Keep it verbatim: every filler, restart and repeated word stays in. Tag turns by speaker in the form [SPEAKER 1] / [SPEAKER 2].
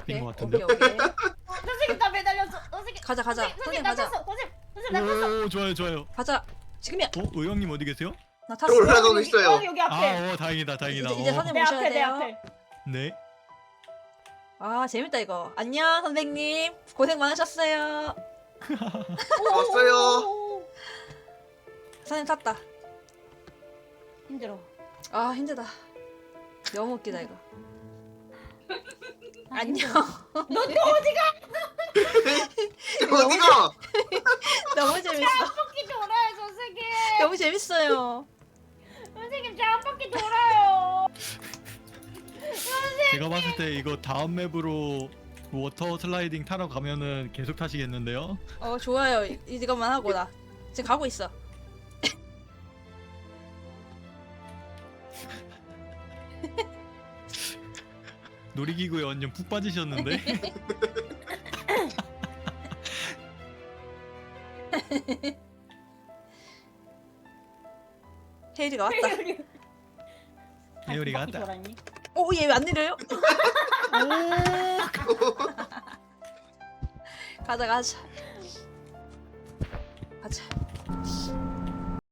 [SPEAKER 1] 오케이.
[SPEAKER 2] 것 같은데.
[SPEAKER 1] 오케이 오케이.
[SPEAKER 3] 선생님 나 매달렸어. 선생님.
[SPEAKER 1] 가자 가자.
[SPEAKER 3] 선생님,
[SPEAKER 1] 선생님
[SPEAKER 3] 선생님 나
[SPEAKER 1] 가자.
[SPEAKER 3] 탔어. 선생님 선생님 나 탔어.
[SPEAKER 2] 오 좋아요 좋아요.
[SPEAKER 1] 가자. 지금이야.
[SPEAKER 2] 어 의왕님 어디 계세요?
[SPEAKER 1] 나
[SPEAKER 4] 저
[SPEAKER 1] 탔어.
[SPEAKER 4] 올라가고
[SPEAKER 3] 여기,
[SPEAKER 4] 있어요.
[SPEAKER 3] 여기, 여기 앞에.
[SPEAKER 2] 아, 어 다행이다 다행이다.
[SPEAKER 1] 이제- 이제
[SPEAKER 2] 어.
[SPEAKER 1] 선생님
[SPEAKER 3] 내
[SPEAKER 1] 모셔야
[SPEAKER 3] 앞에 내
[SPEAKER 1] 돼요.
[SPEAKER 3] 앞에.
[SPEAKER 2] 네.
[SPEAKER 1] 아 재밌다 이거. 안녕 선생님. 고생 많으셨어요.
[SPEAKER 4] 왔어요.
[SPEAKER 3] 오,
[SPEAKER 1] 선생님 탔다.
[SPEAKER 3] 힘들어.
[SPEAKER 1] 아 힘들다. 너무 웃기다 이거.
[SPEAKER 3] 아,
[SPEAKER 1] 안녕.
[SPEAKER 3] 너 또 어디가?
[SPEAKER 4] 어디가?
[SPEAKER 1] 너무 재밌어.
[SPEAKER 3] 한 바퀴 돌아요 선생님.
[SPEAKER 1] 너무 재밌어요.
[SPEAKER 3] 선생님 저 한 바퀴 돌아요.
[SPEAKER 2] 제가 봤을 때 이거 다음 맵으로 워터 슬라이딩 타러 가면은 계속 타시겠는데요?
[SPEAKER 1] 어 좋아요. 이- 이것만 하고 나 지금 가고 있어.
[SPEAKER 2] 놀이기구에 완전 푹 빠지셨는데?
[SPEAKER 1] 헤이리가 왔다.
[SPEAKER 2] 에어리가
[SPEAKER 3] 한 바퀴
[SPEAKER 2] 왔다.
[SPEAKER 3] 돌았니?
[SPEAKER 1] 오얘 왜 안 내려요? 가자 가자. 가자.